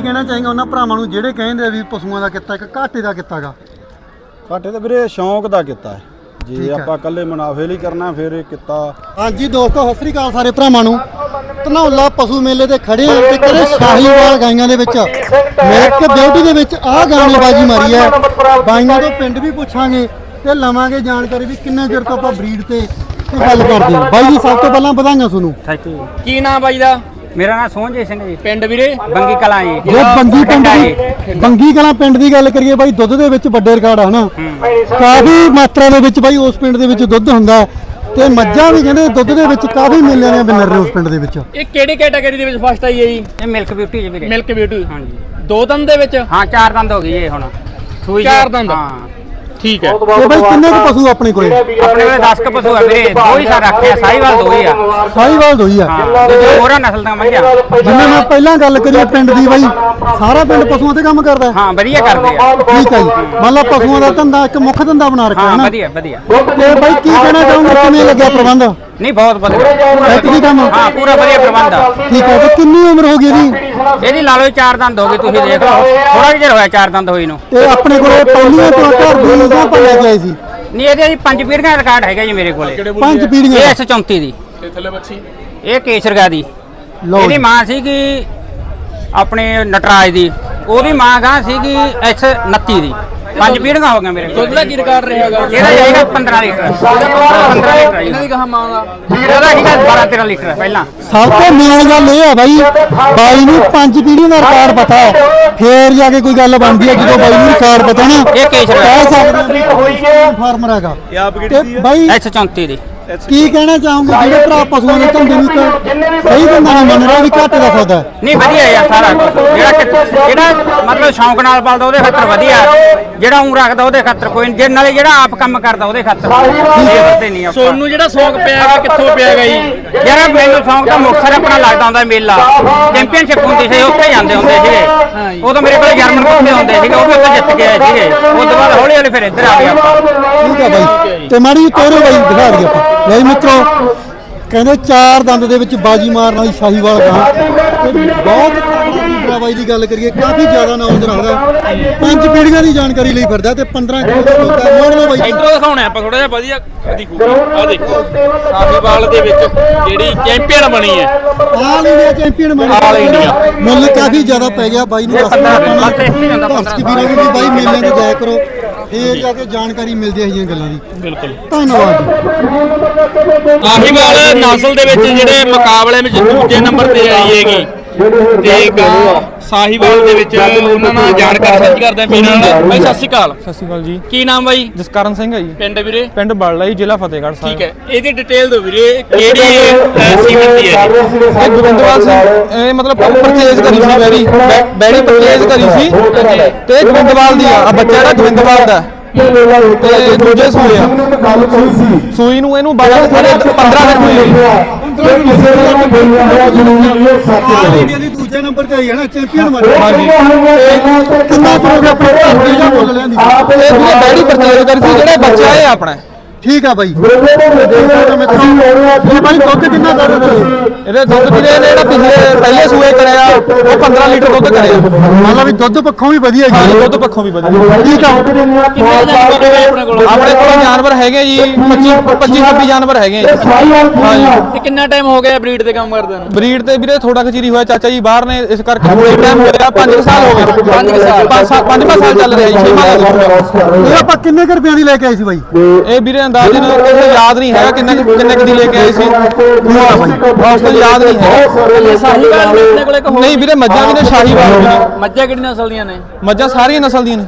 ਕਹਿਣਾ ਚਾਹੀਂਗਾ ਉਹਨਾਂ ਭਰਾਵਾਂ ਨੂੰ ਜਿਹੜੇ ਕਹਿੰਦੇ ਵੀ ਪਸ਼ੂਆਂ ਦਾ ਕਿੱਤਾ ਇੱਕ ਘਾਟੇ ਦਾ ਕਿੱਤਾ ਗਾ? ਘਾਟੇ ਤਾਂ ਵੀਰੇ ਸ਼ੌਂਕ ਦਾ ਕੀਤਾ ਹੈ, ਜੇ ਆਪਾਂ ਇਕੱਲੇ ਮੁਨਾਫੇ ਲਈ ਕਰਨਾ ਫਿਰ ਇਹ ਕਿੱਤਾ। ਹਾਂਜੀ ਦੋਸਤੋ, ਸਤਿ ਸ੍ਰੀ ਅਕਾਲ ਸਾਰੇ ਭਰਾਵਾਂ ਨੂੰ। ਧਨੌਲਾ ਪਸ਼ੂ ਮੇਲੇ ਤੇ ਖੜੇ ਆ ਤੇ ਕਦੇ ਸ਼ਾਹੀਵਾਲ ਗਾਈਆਂ ਦੇ ਵਿੱਚ ਮਿਲਕ ਬਿਊਟੀ ਦੇ ਵਿੱਚ ਆਹ ਗਾਣੇ ਬਾਜੀ ਮਾਰੀ ਹੈ। ਬਾਈਆਂ ਤੋਂ ਪਿੰਡ ਵੀ ਪੁੱਛਾਂਗੇ ਤੇ ਲਵਾਂਗੇ ਜਾਣਕਾਰੀ ਵੀ ਕਿੰਨੇ ਚਿਰ ਤੋਂ ਆਪਾਂ ਬਰੀਡ ਤੇ ਗੱਲ ਕਰਦੇ ਹਾਂ। ਬਾਈ ਜੀ ਸਭ ਤੋਂ ਪਹਿਲਾਂ ਵਧਾਈਆਂ ਤੁਹਾਨੂੰ। Thank you. ਕੀ ਨਾਮ ਬਾਈ ਦਾ? ਮੇਰਾ ਨਾਮ ਸੋਹਣਜੀਤ ਸਿੰਘ ਜੀ, ਪਿੰਡ ਵੀਰੇ ਬੰਗੀ ਕਲਾਂ ਜੀ। ਜੇ ਬੰਗੀ ਕਲਾਂ ਪਿੰਡ ਦੀ ਗੱਲ ਕਰੀਏ ਬਾਈ, ਦੁੱਧ ਦੇ ਵਿੱਚ ਵੱਡੇ ਰਿਕਾਰਡ ਆ ਹਨਾ, ਕਾਫੀ ਮਾਤਰਾ ਦੇ ਵਿੱਚ ਬਾਈ ਉਸ ਪਿੰਡ ਦੇ ਵਿੱਚ ਦੁੱਧ ਹੁੰਦਾ ਤੇ ਮੱਝਾਂ ਵੀ ਕਹਿੰਦੇ ਦੁੱਧ ਦੇ ਵਿੱਚ ਕਾਫੀ ਮੇਲਿਆਂ ਦੀਆਂ ਵਿਨਰ ਨੇ ਉਸ ਪਿੰਡ ਦੇ ਵਿੱਚ। ਇਹ ਕਿਹੜੀ ਕੈਟਾਗਰੀ ਦੇ ਵਿੱਚ ਫਸਟ ਆਈ ਹੈ ਜੀ? ਇਹ ਮਿਲਕ ਬਿਊਟੀ ਜੀ ਵੀਰੇ। Milk beauty. ਹਾਂਜੀ। ਦੋ ਦੰਦ ਦੇ ਵਿੱਚ? ਹਾਂ 4 ਦੰਦ ਹੋ ਗਈ ਇਹ ਹੁਣ ਸੂਈ। 4 ਦੰਦ? ਹਾਂ ਠੀਕ ਹੈ। ਤੇ ਬਾਈ ਕਿੰਨੇ ਕੁ ਪਸ਼ੂ ਆਪਣੇ ਕੋਲੇ? ਆਪਣੇ ਕੋਲੇ 10 ਕ ਪਸ਼ੂ ਆ ਵੀਰੇ, ਦੋ ਹੀ ਸਾਰ ਰੱਖੇ ਆ, ਸਾਹੀਵਾਲ ਦੋ ਹੀ ਆ। ਸਾਹੀਵਾਲ ਦੋ ਹੀ ਆ। ਹਾਂ ਤੇ ਜੋ ਹੋਰਾਂ ਨਸਲ ਦਾ ਮੱਝਾਂ। ਜਿਵੇਂ ਮੈਂ ਪਹਿਲਾਂ ਗੱਲ ਕਰੀ ਪਿੰਡ ਦੀ ਬਾਈ, ਸਾਰਾ ਪਿੰਡ ਪਸ਼ੂਆਂ ਤੇ ਕੰਮ ਕਰਦਾ? ਹਾਂ ਵਧੀਆ ਕਰਦੇ ਆ। ਠੀਕ ਹੈ ਜੀ, ਮੰਨ ਲਾ ਪਸ਼ੂਆਂ ਦਾ ਧੰਦਾ ਇੱਕ ਮੁੱਖ ਧੰਦਾ ਬਣਾ ਰੱਖਿਆ ਹੈ ਹਾਂ ਨਾ? ਵਧੀਆ ਵਧੀਆ। ਤੇ ਬਾਈ ਕੀ ਕਹਿਣਾ ਚਾਹੋਗੇ, ਕਿਵੇਂ ਲੱਗਿਆ ਪ੍ਰਬੰਧ? ਨਹੀਂ ਬਹੁਤ ਵਧੀਆ। ਐਤਕੀ ਕੰਮ? ਹਾਂ ਪੂਰਾ ਵਧੀਆ ਪ੍ਰਬੰਧ ਆ। ਠੀਕ ਹੈ। ਤੇ ਕਿੰਨੀ ਉਮਰ ਹੋ ਗਈ ਇਹਦੀ? ਇਹਦੀ ਲਾ ਲਓ 4 ਦੰਦ ਹੋ ਗਏ, ਤੁਸੀਂ ਦੇਖ ਲਓ ਥੋੜਾ ਜਿਹਾ ਹੋਇਆ 4 ਦੰਦ ਹੋਈ ਨੂੰ। ਤੇ ਆਪਣੇ ਕੋਲੇ ਪਹਿਲੀਆਂ ਤੋਂ ਘਰ ਦੀ ਜਾਂ ਆਪਾਂ ਲੈ ਕੇ ਆਏ ਸੀ? ਨਹੀਂ ਇਹਦੇ ਜੀ 5 ਪੀੜ੍ਹੀਆਂ ਦਾ ਰਿਕਾਰਡ ਹੈਗਾ ਜੀ ਮੇਰੇ ਕੋਲੇ। 5 ਪੀੜ੍ਹੀਆਂ? ਇਹ S34 ਦੀ। ਤੇ ਥੱਲੇ ਬੱਚੀ? ਇਹ ਕੇਸਰਗਾ ਦੀ। ਲਓ ਇਹਦੀ ਮਾਂ ਸੀਗੀ ਆਪਣੇ ਨਟਰਾਜ ਦੀ, ਉਹਦੀ ਮਾਂ ਗਾਂ ਸੀਗੀ S29 ਦੀ। 5 ਪੀੜ੍ਹੀਆਂ ਹੋ ਗਈਆਂ ਮੇਰੇ ਕੋਲ। ਦੁੱਧ ਦਾ ਕੀ ਰਿਕਾਰਡ ਰਹੇਗਾ? ਇਹਦਾ ਜਾਏਗਾ 15 ਲੀਟਰ। 15 ਲੀਟਰ ਇਹਨਾਂ ਦੀ ਕਹਾ ਮਾਂ ਦਾ? ਇਹਦਾ ਸੀਗਾ 12-13 ਲੀਟਰ ਪਹਿਲਾਂ। ਸਭ ਤੋਂ ਮੇਨ ਗੱਲ ਇਹ ਹੈ ਬਾਈ, ਬਾਈ ਨੂੰ 5 ਪੀੜ੍ਹੀਆਂ ਦਾ ਰਿਕਾਰਡ ਪਤਾ ਹੈ, ਫੇਰ ਜਾ ਕੇ ਕੋਈ ਗੱਲ ਬਣਦੀ ਹੈ। ਜਦੋਂ ਬਾਈ ਨੂੰ ਰਿਕਾਰਡ ਪਤਾ ਨਾ, ਇਹ ਕੇਸਰ ਕਹਿ ਸਕਦੇ ਹਾਂ ਫਾਰਮਰ ਹੈਗਾ। ਤੇ ਬਾਈ S34 ਦੀ। ਕੀ ਕਹਿਣਾ ਚਾਹੋਗੇ ਜਿਹੜੇ ਭਰਾ ਪਸ਼ੂਆਂ ਦੇ ਧੰਦੇ ਨੂੰ ਸਹੀ ਧੰਦਾ ਨਹੀਂ ਮੰਨ ਰਿਹਾ ਵੀ ਘਾਟੇ ਦਾ ਸੌਦਾ ਹੈ? ਨਹੀਂ ਵਧੀਆ ਯਾਰ ਸਾਰਾ ਕੁਛ। ਜਿਹੜਾ ਮਤਲਬ ਸ਼ੌਂਕ ਨਾਲ ਪਾਲਦਾ ਉਹਦੇ ਖਾਤਰ ਵਧੀਆ, ਜਿਹੜਾ ਊਂ ਰੱਖਦਾ ਉਹਦੇ ਖਾਤਰ ਕੋਈ ਨਹੀਂ, ਜੇ ਨਾਲੇ ਜਿਹੜਾ ਆਪ ਕੰਮ ਕਰਦਾ ਉਹਦੇ ਖਾਤਰ ਇਹ ਵੱਧੇ ਨਹੀਂ ਆਪਾਂ। ਸੋਨੂੰ ਜਿਹੜਾ ਸ਼ੌਂਕ ਪਿਆਗਾ ਕਿੱਥੋਂ ਪਿਆਗਾ ਜੀ? ਯਾਰ ਮੈਨੂੰ ਸ਼ੌਂਕ ਤਾਂ ਮੁਕਤਸਰ ਆਪਣਾ ਲੱਗਦਾ ਹੁੰਦਾ ਮੇਲਾ, ਚੈਂਪੀਅਨਸ਼ਿਪ ਹੁੰਦੀ ਸੀ, ਉੱਥੇ ਜਾਂਦੇ ਹੁੰਦੇ ਸੀਗੇ। ਉਦੋਂ ਮੇਰੇ ਕੋਲ ਜਰਮਨ ਕੁੱਤੇ ਹੁੰਦੇ ਸੀਗੇ, ਉਹ ਵੀ ਉੱਥੇ ਜਿੱਤ ਕੇ ਆਏ ਸੀਗੇ। ਉਸ ਤੋਂ ਬਾਅਦ ਹੌਲੀ ਹੌਲੀ ਫਿਰ ਇੱਧਰ ਆ ਗਏ ਆਪਾਂ। ਠੀਕ ਹੈ ਬਾਈ। ਤੇ ਮਾੜੀ ਤੋਰੋ ਬਾਈ, ਦਿਖਾ ਦਈਏ ਆਪਾਂ। ਲੈ ਮਿੱਤਰੋ, ਕਹਿੰਦੇ 4 ਦੰਦ ਦੇ ਵਿੱਚ ਬਾਜੀ ਮਾਰਨ ਵਾਲੀ ਸ਼ਾਹੀਵਾਲ ਗਾਂ ਤੇ ਬਹੁਤ ਤਕੜਾ ਬਾਈ ਦੀ ਗੱਲ ਕਰੀਏ, ਕਾਫੀ ਜ਼ਿਆਦਾ ਨੌਲੇਜ ਰੱਖਦਾ। 5 ਪੀੜ੍ਹੀਆਂ ਦੀ ਜਾਣਕਾਰੀ ਲਈ ਫਿਰਦਾ ਤੇ 15 ਕਿਲੋ ਦਾ ਦੁੱਧ ਹੈ। ਮੋੜ ਲਓ ਬਾਈ। ਇੱਧਰੋਂ ਦਿਖਾਉਣੇ ਆਪਾਂ ਥੋੜਾ ਜਿਹਾ ਵਧੀਆ ਦਿਖੂਗੀ। ਆ ਦੇਖੋ ਸਾਹੀਵਾਲ ਦੇ ਵਿੱਚ ਜਿਹੜੀ ਚੈਂਪੀਅਨ ਬਣੀ ਹੈ, ਆਲ ਇੰਡੀਆ ਚੈਂਪੀਅਨ ਬਣ ਆਲ ਇੰਡੀਆ। ਮੁੱਲ ਕਾਫੀ ਜ਼ਿਆਦਾ ਪੈ ਗਿਆ ਬਾਈ ਨੂੰ। ਦੱਸਣਾ ਦਰਸ਼ਕ ਵੀਰਾਂ ਨੂੰ ਵੀ ਬਾਈ ਮੇਲਿਆਂ ਤੇ ਜਾਇਆ ਕਰੋ, ਫੇਰ ਜਾ ਕੇ ਜਾਣਕਾਰੀ ਮਿਲਦੀ ਹੈ ਇਹ ਗੱਲਾਂ ਦੀ। ਬਿਲਕੁਲ। ਧੰਨਵਾਦ। ਸਾਹੀਵਾਲ ਨਸਲ ਦੇ ਵਿੱਚ ਜਿਹੜੇ ਮੁਕਾਬਲੇ ਵਿੱਚ ਦੂਜੇ ਨੰਬਰ ਤੇ ਆਈ ਹੈਗੀ ਤੇ ਗਾਂ ਸਾਹੀਵਾਲ ਦੇ ਵਿੱਚ ਉਹਨਾਂ ਨਾਲ ਜਾਣਕਾਰੀ ਸਾਂਝੀ ਕਰਦੇ ਆਂ ਵੀਰਾਂ ਨਾਲ। ਬਾਈ ਸਤਿ ਸ਼੍ਰੀ ਅਕਾਲ। ਸਤਿ ਸ਼੍ਰੀ ਅਕਾਲ ਜੀ। ਕੀ ਨਾਮ ਬਾਈ? ਜਸਕਰਨ ਸਿੰਘ ਹੈ ਜੀ। ਪਿੰਡ ਵੀਰੇ? ਪਿੰਡ ਬੜਲਾ ਜੀ, ਜ਼ਿਲ੍ਹਾ ਫਤਿਹਗੜ੍ਹ ਸਾਹਿਬ। ਠੀਕ ਹੈ, ਇਹਦੀ ਡਿਟੇਲ ਦਿਓ ਵੀਰੇ, ਕਿਹੜੀ ਸੀਮਨ ਦੀ ਹੈ? ਇਹ ਗੋਬਿੰਦਵਾਲ ਸੀ। ਇਹ ਮਤਲਬ ਪਰਚੇਜ਼ ਕਰੀ ਸੀ, ਬੈੜੀ ਪਰਚੇਜ਼ ਕਰੀ ਸੀ ਤੇ ਇਹ ਗੋਬਿੰਦਵਾਲ ਦੀ ਆ। ਬੱਚਾ ਜਿਹੜਾ ਗੋਬਿੰਦਵਾਲ ਦਾ ਤੇ ਦੂਜੇ ਸੂਏ ਆ। ਸੂਈ ਨੂੰ ਇਹਨੂੰ 15 ਦਿਨ ਹੋਏ। ਦੂਜੇ ਨੰਬਰ ਤੇ ਆਈ ਹੈ ਨਾ, ਚੈਂਪੀਅਨ ਬਣ ਹਾਂਜੀ। ਕਿੰਨਾ ਕਰੋਗੇ ਆਪਣੇ ਘਰ ਦਾ ਮੁੱਲ ਲੈਂਦੀ? ਇਹ ਜਿਹੜੇ ਬੈੜੀ ਪਰਚੇਜ਼ ਕਰੀ ਸੀ, ਜਿਹੜੇ ਬੱਚਾ ਇਹ ਆਪਣਾ। ਠੀਕ ਆ ਬਾਈ। ਇਹ ਬਾਈ ਦੁੱਧ ਕਿੰਨਾ ਕਰ ਰਹੇ? ਇਹਦੇ ਦੁੱਧ ਵੀਰੇ ਨੇ ਜਿਹੜਾ ਪਹਿਲੇ ਸੂਏ ਕਰਿਆ ਉਹ 15 ਲੀਟਰ ਦੁੱਧ ਕਰਿਆ। ਮਤਲਬ ਵੀ ਦੁੱਧ ਪੱਖੋਂ ਵੀ ਵਧੀਆ ਹਾਂ ਜੀ। ਦੁੱਧ ਪੱਖੋਂ ਵੀ ਵਧੀਆ। ਠੀਕ ਆ। ਆਪਣੇ ਕੋਲ ਜਾਨਵਰ ਹੈਗੇ ਜੀ 25-26 ਜਾਨਵਰ ਹੈਗੇ ਜੀ। ਹਾਂਜੀ। ਤੇ ਕਿੰਨਾ ਟਾਈਮ ਹੋ ਗਿਆ ਬਰੀਡ ਤੇ ਕੰਮ ਕਰਦੇ ਨੂੰ? ਬਰੀਡ ਤੇ ਵੀਰੇ ਥੋੜਾ ਖਚੀਰੀ ਹੋਇਆ, ਚਾਚਾ ਜੀ ਬਾਹਰ ਨੇ, ਇਸ ਕਰਕੇ ਥੋੜਾ ਟਾਈਮ ਹੋ ਗਿਆ। 5 ਸਾਲ ਹੋ ਗਏ। 5 ਸਾਲ ਚੱਲ ਰਿਹਾ ਜੀ। 6ਵਾਂ ਇਹ ਆਪਾਂ ਕਿੰਨੇ ਕੁ ਰੁਪਈਆਂ ਦੀ ਲੈ ਕੇ ਆਏ ਸੀ ਬਾਈ? ਇਹ ਵੀਰੇ ਅੰਦਾਜ਼ਨ ਕਿਸੇ ਯਾਦ ਨਹੀਂ ਹੈਗਾ ਕਿੰਨੇ ਕੁ ਦੀ ਲੈ ਕੇ ਆਏ ਸੀ। ਉਸ ਤੋਂ ਯਾਦ ਨਹੀਂ ਹੈਗਾ। ਸਾਹੀਵਾਲ ਵੀ ਆਪਣੇ ਕੋਲੇ ਇੱਕ ਹੋਰ ਨਹੀਂ ਵੀਰੇ ਮੱਝਾਂ ਵੀ ਨੇ, ਸ਼ਾਹੀਵਾਲ ਵੀ ਨੇ। ਮੱਝਾਂ ਕਿਹੜੀ ਨਸਲ ਦੀਆਂ ਨੇ? ਮੱਝਾਂ ਸਾਰੀਆਂ ਨਸਲ ਦੀਆਂ ਨੇ।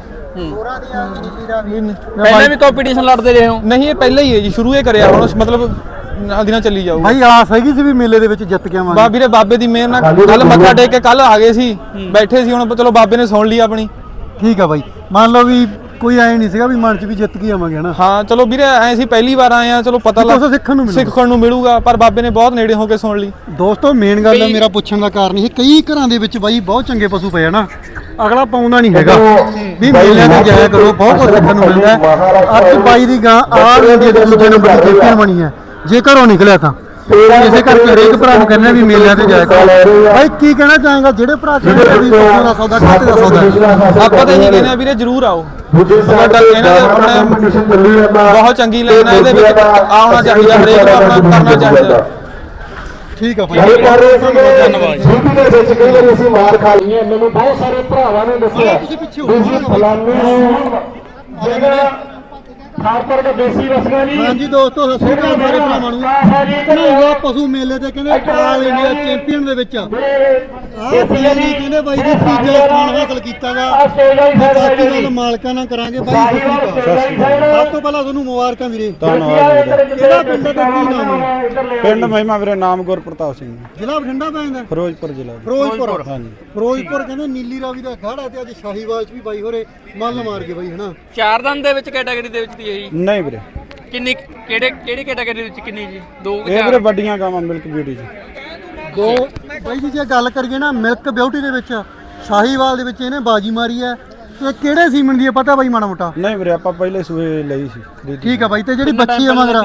ਪਹਿਲਾਂ ਵੀ ਕੰਪੀਟੀਸ਼ਨ ਲੜਦੇ ਰਹੇ ਹੋ? ਨਹੀਂ ਇਹ ਪਹਿਲਾਂ ਹੀ ਹੈ ਜੀ, ਸ਼ੁਰੂ ਹੀ ਕਰਿਆ ਹੁਣ, ਮਤਲਬ ਨਾਲ ਦੀ ਨਾਲ ਚੱਲੀ ਜਾਊ। ਭਾਈ ਆਸ ਹੈਗੀ ਸੀ ਵੀ ਮੇਲੇ ਦੇ ਵਿੱਚ ਜਿੱਤ ਕੇ ਆਵਾਂਗੇ? ਵੀਰੇ ਬਾਬੇ ਦੀ ਮਿਹਰ ਨਾਲ ਕੱਲ ਮੱਥਾ ਟੇਕ ਕੇ ਕੱਲ ਆ ਗਏ ਸੀ, ਬੈਠੇ ਸੀ। ਹੁਣ ਚਲੋ ਬਾਬੇ ਨੇ ਸੁਣ ਲਈ ਆਪਣੀ। ਠੀਕ ਆ ਬਾਈ। ਮੰਨ ਲਓ ਵੀ ਕੋਈ ਐ ਨਹੀਂ ਸੀਗਾ ਵੀ ਮਨ ਚ ਵੀ ਜਿੱਤ ਕੇ ਆਵਾਂਗੇ ਹਨਾ? ਹਾਂ ਚਲੋ ਵੀਰੇ ਐ ਸੀ ਪਹਿਲੀ ਵਾਰ ਆਏ ਆ, ਚਲੋ ਪਤਾ ਲੱਗ ਸਿੱਖਣ ਨੂੰ ਮਿਲੂਗਾ, ਪਰ ਬਾਬੇ ਨੇ ਬਹੁਤ ਨੇੜੇ ਹੋ ਕੇ ਸੁਣ ਲਈ। ਦੋਸਤੋ ਮੇਨ ਗੱਲ ਹੈ ਮੇਰਾ ਪੁੱਛਣ ਦਾ ਕਾਰਨ ਇਹ, ਕਈ ਘਰਾਂ ਦੇ ਵਿੱਚ ਬਾਈ ਬਹੁਤ ਚੰਗੇ ਪਸ਼ੂ ਪਏ ਆ ਨਾ, ਅਗਲਾ ਪਾਉਂਦਾ ਨਹੀਂ ਹੈਗਾ ਵੀ ਮੇਲਿਆਂ ਤੇ ਜਾਇਆ ਕਰੋ, ਬਹੁਤ ਕੁਝ ਸਿੱਖਣ ਨੂੰ ਮਿਲਦਾ। ਅੱਜ ਬਾਈ ਦੀ ਗਾਂ ਆਲ ਇੰਡੀਆ ਦੇ ਦੂਜੇ ਨੰਬਰ ਦੀ ਚੈਂਪੀਅਨ ਬਣੀ ਹੈ ਜੇ ਘਰੋਂ ਨਿਕਲਿਆ ਤਾਂ। ਇਸੇ ਕਰਕੇ ਹਰੇਕ ਭਰਾ ਨੂੰ ਕਹਿੰਦੇ ਆ ਵੀ ਮੇਲਿਆਂ ਤੇ ਜਾਇਆ ਕਰੋ। ਬਾਈ ਕੀ ਕਹਿਣਾ ਚਾਹਾਂਗਾ ਜਿਹੜੇ ਭਰਾ ਕਹਿੰਦੇ ਆ ਵੀ ਪਸ਼ੂਆਂ ਦਾ ਸੌਦਾ ਘਾਟੇ ਦਾ ਸੌਦਾ ਹੈ? ਆਪਾਂ ਤਾਂ ਇਹੀ ਕਹਿੰਦੇ ਆ ਵੀਰੇ ਜਰੂਰ ਆਓ। ਸਾਡਾ ਇਹਨਾਂ ਦੇ ਆਪਣੇ ਬਹੁਤ ਚੰਗੀ ਲਾਈਨ ਹੈ, ਇਹਦੇ ਵਿੱਚ ਆਉਣਾ ਚਾਹੀਦਾ, ਹਰੇਕ ਨੂੰ ਆਪਣਾ ਕਰਨਾ ਚਾਹੀਦਾ। ਠੀਕ ਆ ਭਾਈ ਧੰਨਵਾਦ ਜੀ। ਦੇ ਵਿੱਚ ਕਈ ਵਾਰੀ ਅਸੀਂ ਮਾਰ ਖਾ ਲਈਏ। ਮੈਨੂੰ ਬਹੁਤ ਸਾਰੇ ਭਰਾਵਾਂ ਨੇ ਦੱਸਿਆ ਤੁਸੀਂ ਪਿੱਛੇ ਹੋ ਵੀ ਫਲਾਣੇ ਜਿਹੜਾ ਖਾਸਕਰ ਕੇ ਦੇਸੀ ਰਸਗਾ ਜੀ। ਹਾਂਜੀ ਦੋਸਤੋ ਸਤਿ ਸ਼੍ਰੀ ਅਕਾਲ ਸਾਰੇ ਭਰਾਵਾਂ ਨੂੰ। ਧਨੌਲਾ ਪਸ਼ੂ ਮੇਲੇ ਤੇ ਕਹਿੰਦੇ ਆਲ ਇੰਡੀਆ ਚੈਂਪੀਅਨ ਦੇ ਵਿੱਚ ਆਹ ਬਾਈ ਕਹਿੰਦੇ ਬਾਈ ਜੀ ਤੀਜਾ ਸਥਾਨ ਹਾਸਲ ਕੀਤਾਗਾ। ਬਾਕੀ ਗੱਲ ਮਾਲਕਾਂ ਨਾਲ ਕਰਾਂਗੇ ਬਾਈ। ਸਤਿ ਸ਼੍ਰੀ ਅਕਾਲ। ਸਭ ਤੋਂ ਪਹਿਲਾਂ ਤੁਹਾਨੂੰ ਮੁਬਾਰਕਾਂ ਵੀਰੇ। ਧੰਨਵਾਦ ਵੀਰੇ। ਕਿਹੜਾ ਪਿੰਡ ਹੈ ਤੇ ਕੀ ਨਾਮ ਹੈ? ਪਿੰਡ ਮਹਿਮਾ ਵੀਰੇ, ਨਾਮ ਗੁਰਪ੍ਰਤਾਪ ਸਿੰਘ, ਜ਼ਿਲ੍ਹਾ ਬਠਿੰਡਾ ਪੈਂਦਾ? ਫਿਰੋਜ਼ਪੁਰ ਜ਼ਿਲ੍ਹਾ। ਫਿਰੋਜ਼ਪੁਰ। ਹਾਂਜੀ। ਫਿਰੋਜ਼ਪੁਰ ਕਹਿੰਦੇ ਨੀਲੀ ਰਾਵੀ ਦਾ ਅਖਾੜਾ ਤੇ ਅੱਜ ਸ਼ਾਹੀਵਾਲ ਚ ਵੀ ਬਾਈ ਹੋਰੇ ਮੱਲ ਮਾਰ ਕੇ ਬਾਈ ਹਨਾ। ਚਾਰ ਦੰਦ ਦੇ ਵਿੱਚ ਕੈਟਾਗਰੀ ਦੇ ਵਿੱਚ ਦੀ ਹੈ ਜੀ। ਨਹੀਂ ਵੀਰੇ, ਕਿੰਨੀ ਕਿਹੜੀ ਕੈਟਾਗਰੀ ਦੇ ਵਿੱਚ ਕਿੰਨੀ ਜੀ? ਦੋ ਇਹ ਵੀਰੇ ਵੱਡੀਆਂ ਗਾਵਾਂ ਮਿਲਕ ਬਿਊਟੀ ਜੀ। ਦੋ ਬਾਈ ਜੀ ਜੇ ਗੱਲ ਕਰੀਏ ਨਾ ਮਿਲਕ ਬਿਊਟੀ ਦੇ ਵਿੱਚ ਸ਼ਾਹੀਵਾਲ ਦੇ ਵਿੱਚ ਇਹਨੇ ਬਾਜੀ ਮਾਰੀ ਹੈ ਤੇ ਕਿਹੜੇ ਸੀਮਨ ਦੀ ਹੈ ਪਤਾ ਬਾਈ ਮਾੜਾ ਮੋਟਾ? ਨਹੀਂ ਵੀਰੇ, ਆਪਾਂ ਪਹਿਲੇ ਸੂਏ ਲਈ ਸੀ ਖਰੀਦੀ। ਠੀਕ ਆ ਬਾਈ ਤੇ ਜਿਹੜੀ ਬੱਚੀ ਆ ਮਗਰ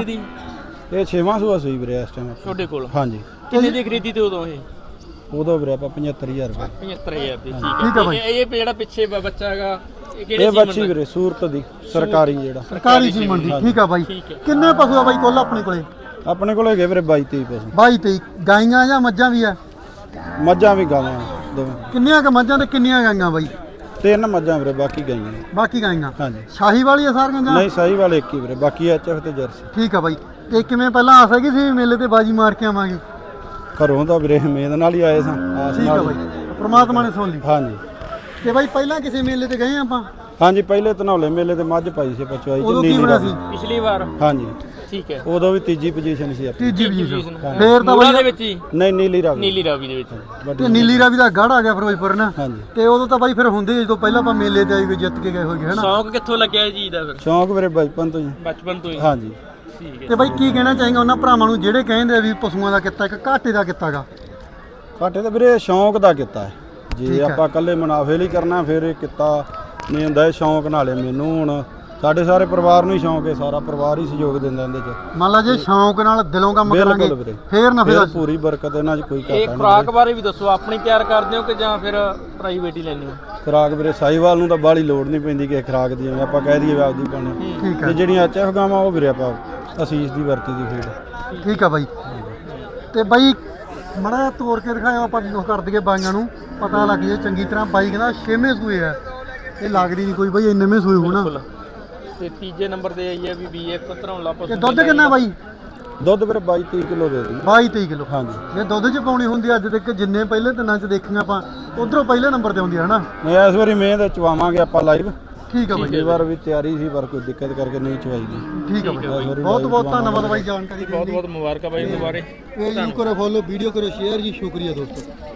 ਇਹ 6ਵਾਂ ਸੂਆ ਸੂਈ ਵੀਰੇ ਇਸ ਟਾਈਮ ਤੁਹਾਡੇ ਕੋਲ ਹਾਂਜੀ। ਕਿੰਨੇ ਦੀ ਖਰੀਦੀ ਤੇ ਉਦੋਂ ਇਹ? ਉਦੋਂ ਵੀਰੇ ਆਪਾਂ 75000 ਰੁਪਏ। 75000 ਦੀ। ਠੀਕ ਆ ਬਾਈ। ਇਹ ਜਿਹੜਾ ਪਿੱਛੇ ਬੱਚਾ ਹੈਗਾ ਇਹ ਕਿਹੜੇ ਇਹ ਸੀਮਨ ਬੱਚੀ ਦਾ? ਵੀਰੇ ਸੂਰਤ ਦੀ ਸਰਕਾਰੀ ਜਿਹੜਾ ਸਰਕਾਰੀ ਸੀਮਨ ਦੀ। ਠੀਕ ਆ ਬਾਈ। ਕਿੰਨੇ ਪਸ਼ੂ ਆ ਬਾਈ ਕੁੱਲ ਆਪਣੇ ਕੋਲੇ? ਆਪਣੇ ਕੋਲ ਹੈਗੇ ਵੀਰੇ 22-23 ਪਸ਼ੂ। 22-23 ਗਾਈਆਂ ਜਾਂ ਮੱਝਾਂ ਵੀ ਆ? ਮੱਝਾਂ ਵੀ ਗਾਵਾਂ ਦੋਵੇਂ। ਕਿੰਨੀਆਂ ਕ ਮੱਝਾਂ ਤੇ ਕਿੰਨੀਆਂ ਗਾਈਆਂ ਬਾਈ? 3 ਮੱਝਾਂ ਵੀਰੇ, ਬਾਕੀ ਗਾਈਆਂ ਨੇ। ਬਾਕੀ ਗਾਈਆਂ ਹਾਂਜੀ। ਸ਼ਾਹੀਵਾਲ ਹੀ ਆ ਸਾਰੀਆਂ ਜਾਂ? ਨਹੀਂ, ਸਹੀ ਵਾਲੇ ਇੱਕ ਹੀ ਵੀਰੇ, ਬਾਕੀ ਐਚਐਫ ਤੇ ਜਰਸੀ। ਠੀਕ ਆ ਬਾਈ। ਤੇ ਕਿਵੇਂ ਪਹਿਲਾਂ ਆਸ ਹੈਗੀ ਸੀ ਵੀ ਮੇਲੇ ਤੇ ਬਾਜੀ ਮਾਰ ਕੇ ਆਵਾਂਗੇ? ਘਰੋਂ ਤਾਂ ਵੀਰੇ ਉਮੀਦ ਨਾਲ ਹੀ ਆਏ ਸਾਂ, ਆਸ ਠੀਕ ਆ ਨਾਲ ਬਾਈ, ਹੀ। ਪ੍ਰਮਾਤਮਾ ਨੇ ਸੁਣ ਲਈ। ਹਾਂਜੀ ਤੇ ਬਾਈ ਪਹਿਲਾਂ ਕਿਸੇ ਮੇਲੇ ਤੇ ਗਏ ਆਪਾਂ? ਹਾਂਜੀ, ਪਹਿਲੇ ਧਨੌਲੇ ਮੇਲੇ ਤੇ ਮੱਝ ਪਾਈ ਸੀ ਪਚਵਾਈ ਉਦੋਂ ਤੇ ਕੀ ਨੀਲੀ ਬਣਿਆ ਰਾਵੀ। ਸੀ? ਪਿਛਲੀ ਵਾਰ ਹਾਂਜੀ, ਠੀਕ ਹੈ। ਉਦੋਂ ਵੀ ਤੀਜੀ ਪੋਜੀਸ਼ਨ ਸੀ ਆਪਣੀ। ਤੀਜੀ ਪੋਜੀਸ਼ਨ। position। ਫੇਰ ਤਾਂ ਮੂਰਾਂ ਦੇ ਬਾਈ ਵਿੱਚ ਹੀ ਨਹੀਂ, ਨੀਲੀ ਰਾਵੀ। ਨੀਲੀ ਰਾਵੀ ਦੇ ਵਿੱਚ। ਵੱਡੀ ਤੇ ਨੀਲੀ ਰਾਵੀ ਦਾ ਗੜ ਆ ਗਿਆ ਫਿਰੋਜ਼ਪੁਰ ਨਾ। ਹਾਂਜੀ। ਤੇ ਉਦੋਂ ਤਾਂ ਬਾਈ ਫਿਰ ਹੁੰਦੇ ਜਦੋਂ ਪਹਿਲਾਂ ਆਪਾਂ ਮੇਲੇ ਤੇ ਆਈ ਵੀ ਜਿੱਤ ਕੇ ਗਏ ਹੋਗੇ ਹਨਾ। ਸ਼ੌਂਕ ਕਿੱਥੋਂ ਲੱਗਿਆ ਜੀ ਦਾ ਫਿਰ? ਸ਼ੌਂਕ ਵੀਰੇ ਬਚਪਨ ਤੋਂ ਹੀ। ਬਚਪਨ ਤੋਂ ਹੀ। ਹਾਂਜੀ। ਠੀਕ ਹੈ। ਤੇ ਬਾਈ ਕੀ ਕਹਿਣਾ ਚਾਹੀਂਗਾ ਉਹਨਾਂ ਭਰਾਵਾਂ ਨੂੰ ਜਿਹੜੇ ਕਹਿੰਦੇ ਆ ਵੀ ਪਸ਼ੂਆਂ ਦਾ ਕਿੱਤਾ ਇੱਕ ਘਾਟੇ ਦਾ ਕਿੱਤਾਗਾ? ਘਾਟੇ ਤਾਂ ਵੀਰੇ ਸ਼ੌਂਕ ਦਾ ਕੀਤਾ ਹੈ। ਠੀਕ ਜੇ ਹੈ। ਆਪਾਂ ਇਕੱਲੇ ਮੁਨਾਫੇ ਲਈ ਕਰਨਾ ਫਿਰ ਇਹ ਕੀਤਾ ਨਹੀਂ ਹੁੰਦਾ। ਇਹ ਸ਼ੌਂਕ ਨਾਲੇ ਮੈਨੂੰ ਹੁਣ ਸਾਡੇ ਸਾਰੇ ਪਰਿਵਾਰ ਨੂੰ ਹੀ ਸ਼ੌਂਕ ਹੈ, ਸਾਰਾ ਪਰਿਵਾਰ ਹੀ ਸਹਿਯੋਗ ਦਿੰਦਾ ਇਹਦੇ 'ਚ। ਮੰਨ ਲਾ ਜੇ ਸ਼ੌਂਕ ਨਾਲ ਦਿਲੋਂ ਕੰਮ ਬਿਲਕੁਲ ਕਰਾਂਗੇ ਵੀਰੇ। ਫੇਰ ਨਫੇ ਦਾ। ਫਿਰ ਪੂਰੀ ਬਰਕਤ ਇਹਨਾਂ 'ਚ ਕੋਈ ਇਹ ਘਾਟਾ ਨਹੀਂ। ਖੁਰਾਕ ਬਾਰੇ ਵੀ ਦੱਸੋ, ਆਪਣੀ ਤਿਆਰ ਕਰਦੇ ਹੋ ਕਿ ਜਾਂ ਫਿਰ ਪ੍ਰਾਈਵੇਟ ਹੀ ਲੈਂਦੇ ਹੋ? ਖੁਰਾਕ ਵੀਰੇ ਸਾਹੀਵਾਲ ਨੂੰ ਤਾਂ ਬਾਹਲੀ ਲੋੜ ਨਹੀਂ ਪੈਂਦੀ ਕਿ ਖੁਰਾਕ ਦੀ, ਜਿਵੇਂ ਆਪਾਂ ਕਹਿ ਦਈਏ ਵੀ ਆਪਦੀ ਪਾਉਣੀ। ਠੀਕ ਤੇ ਹੈ। ਜਿਹੜੀਆਂ ਐਚਐਫ ਗਾਵਾਂ ਉਹ ਵੀਰੇ ਆਪਾਂ ਅਸੀਸ ਦੀ ਵਰਤੀ ਦੀ ਫੀਡ। ਠੀਕ ਆ ਬਾਈ। ਤੇ ਬਾਈ ਮੜਾ ਤੋੜ ਕੇ ਦਿਖਾਇਆ ਆਪਾਂ ਜੋ ਕਰ ਦਈਏ ਬਾਈਆਂ ਨੂੰ ਪਤਾ ਲੱਗ ਜੇ ਚੰਗੀ ਤਰ੍ਹਾਂ। ਬਾਈ ਕਹਿੰਦਾ 6ਵੇਂ ਸੂਏ ਆ, ਇਹ ਲੱਗਦੀ ਨਹੀਂ ਕੋਈ ਬਾਈ ਇੰਨੇਵੇਂ ਸੂਏ ਹੋਣਾ। ਤੇ ਤੀਜੇ ਨੰਬਰ ਤੇ ਆਈ ਹੈ ਵੀ ਬੀਐਫ ਧਨੌਲਾ ਪਸ਼ੂ। ਤੇ ਦੁੱਧ ਕਿੰਨਾ ਬਾਈ? ਦੁੱਧ ਵੀਰੇ 22-23 ਕਿਲੋ ਦੇ ਦਿੰਦੇ। 22-23 ਕਿਲੋ। ਹਾਂਜੀ। ਜੇ ਦੁੱਧ ਚ ਪਾਉਣੀ ਹੁੰਦੀ ਅੱਜ ਤੱਕ ਜਿੰਨੇ ਪਹਿਲੇ ਦਿਨਾਂ ਚ ਦੇਖੀਆਂ ਆਪਾਂ ਉਧਰੋਂ ਪਹਿਲੇ ਨੰਬਰ ਤੇ ਆਉਂਦੀ ਹੈ ਹਨਾ। ਮੈਂ ਇਸ ਵਾਰੀ ਮਿਹਨਤ ਚਵਾਵਾਂਗੇ ਆਪਾਂ ਲਾਈਵ। ਠੀਕ ਆ ਬਾਈ। ਪਿਛਲੀ ਵਾਰ ਵੀ ਤਿਆਰੀ ਸੀ ਪਰ ਕੋਈ ਦਿੱਕਤ ਕਰਕੇ ਨਹੀਂ ਚਵਾਈ ਗਈ। ਠੀਕ ਆ ਬਾਈ। ਬਹੁਤ ਬਹੁਤ ਧੰਨਵਾਦ ਬਾਈ ਜਾਣਕਾਰੀ ਦੇਣ ਬਹੁਤ ਲਈ। ਬਹੁਤ ਮੁਬਾਰਕਾਂ ਬਾਈ ਦੁਬਾਰੇ। ਪੇਜ ਨੂੰ ਕਰੋ ਫੋਲੋ, ਵੀਡੀਓ ਕਰੋ ਸ਼ੇਅਰ ਜੀ। ਸ਼ੁਕਰੀਆ ਦੋਸਤੋ।